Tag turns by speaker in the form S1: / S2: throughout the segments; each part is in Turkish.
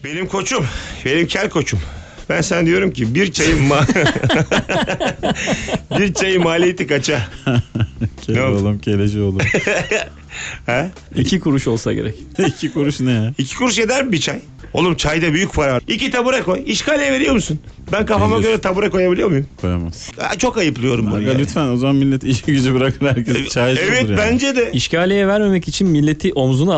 S1: Benim koçum, benim kel koçum. Ben sana diyorum ki bir çayın maliyeti kaça?
S2: Kele oğlum, keleci oğlum.
S1: Ha?
S3: 2 kuruş olsa gerek.
S2: 2 kuruş ne ya?
S1: 2 kuruş eder mi bir çay? Oğlum çayda büyük para var. 2 tabure koy. İşgaliye veriyor musun? Ben kafama
S2: Verir.
S1: göre tabure koyabiliyor muyum?
S2: Koyamaz.
S1: Çok ayıplıyorum bunu.
S2: Aga
S1: ya.
S2: lütfen, o zaman millet işi gücü bırakır, herkes çaycı
S1: Evet
S2: olur yani.
S1: bence de.
S3: İşgaliye vermemek için milleti omzuna al.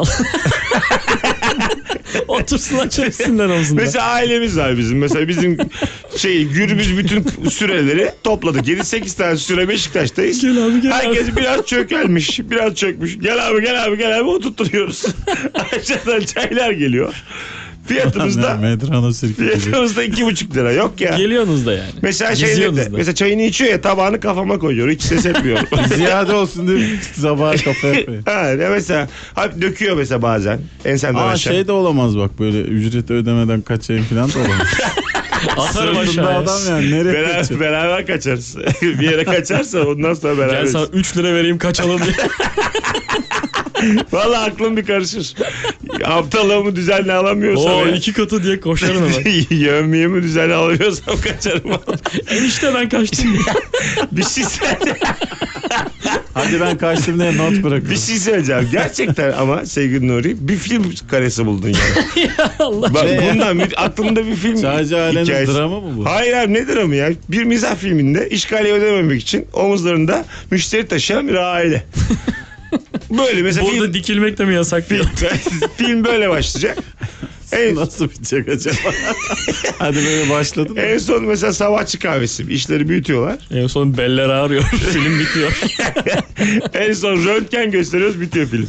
S3: Otursunlar çeksinler omzunda.
S1: Mesela ailemiz var bizim. Mesela bizim gürbüz bütün süreleri topladık. 7-8 tane süre Beşiktaş'tayız.
S3: Gel abi, gel
S1: Herkes biraz çökelmiş. Biraz çökmüş. Gel abi gel abi gel abi oturtturuyoruz. Aşağıdan çaylar geliyor. Fiyatımız da
S2: Medrano sirke gibi.
S1: 2,5 lira. Yok ya.
S3: Geliyorsunuz da yani.
S1: Mesela
S3: Geziyorsunuz da.
S1: mesela çayını içiyor ya, tabağını kafama koyuyor. Hiç ses etmiyor.
S2: Ziyade olsun diye sabah kafaya koyuyor.
S1: Ha, mesela döküyor mesela bazen. Ensenden
S2: Aa
S1: aşağı.
S2: şey de olamaz bak, böyle ücreti ödemeden kaçayım falan da olamaz.
S3: Atarım
S2: Sırtında
S3: aşağıya.
S2: adam yani, nereye kaçıyor?
S1: Beraber kaçarız. Bir yere kaçarsa ondan sonra beraber.
S3: Gel sana 3 lira vereyim kaçalım diye.
S1: Vallahi aklım bir karışır. Aptallığımı düzenli alamıyorsam.
S3: Oo
S1: ya.
S3: 2 katı diye koşarım hemen.
S1: Yövmeyemi düzenli alamıyorsam kaçarım.
S3: Enişte ben kaçtım diye.
S1: Bir şey söyle.
S2: Hadi ben kaçtım diye not bırakın.
S1: Bir şey söyleyeceğim. Gerçekten ama sevgili Nuri, bir film karesi buldun yani.
S3: Ya Allah.
S1: Bak
S2: Ne?
S1: bundan aklımda bir film
S2: Sadece ailenin
S1: hikayesi.
S2: dramı mı bu?
S1: Hayır abi, ne dramı ya? Bir mizah filminde işgaliye ödememek için omuzlarında müşteri taşıyan bir aile. Böyle mesela
S3: Burada dikilmek de mi yasak diyor.
S1: film böyle başlayacak.
S2: Nasıl bitecek acaba? Hadi böyle başladın mı?
S1: En son mesela sabahçı kahvesi. İşleri büyütüyorlar.
S3: En son beller ağrıyor. Film bitiyor.
S1: En son röntgen gösteriyoruz, bitiyor film.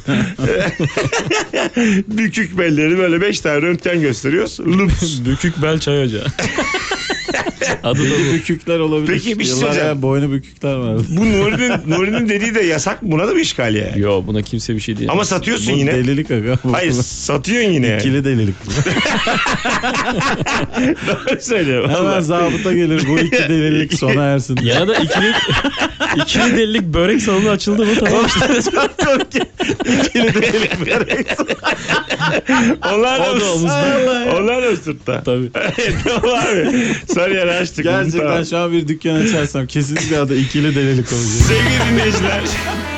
S1: Bükük belleri böyle 5 tane röntgen gösteriyoruz. Lups.
S3: Bükük bel çay ocağı. Adı da
S2: Belli
S3: bu.
S2: bükükler olabilir.
S1: Peki, bir şey
S2: Yıllar
S1: söyleyeceğim.
S2: evvel boynu bükükler vardı.
S1: Bu Nuri'nin dediği de yasak mı? Buna da bir işgaliye yani.
S3: Yo, buna kimse bir şey diyemez.
S1: Ama satıyorsun
S2: Bu
S1: yine.
S2: delilik aga.
S1: Hayır, satıyorsun yine yani.
S2: İkili delilik.
S1: Doğru söylüyorum.
S2: Hemen
S1: Vallahi.
S2: zabıta gelir, bu iki delilik sona ersin.
S3: Ya da ikili delilik börek salonu açıldı mı tamam işte.
S2: İkili delilik.
S1: Onlar
S3: O da
S1: da
S3: omuzda.
S1: Onlar da sırtta.
S3: Tabii.
S1: Tamam abi. Sarıyer'i açtık.
S2: Gerçekten
S1: Tamam.
S2: şu an bir dükkan açarsam kesinlikle adı ikili delilik olacak.
S1: Sevgili dinleyiciler.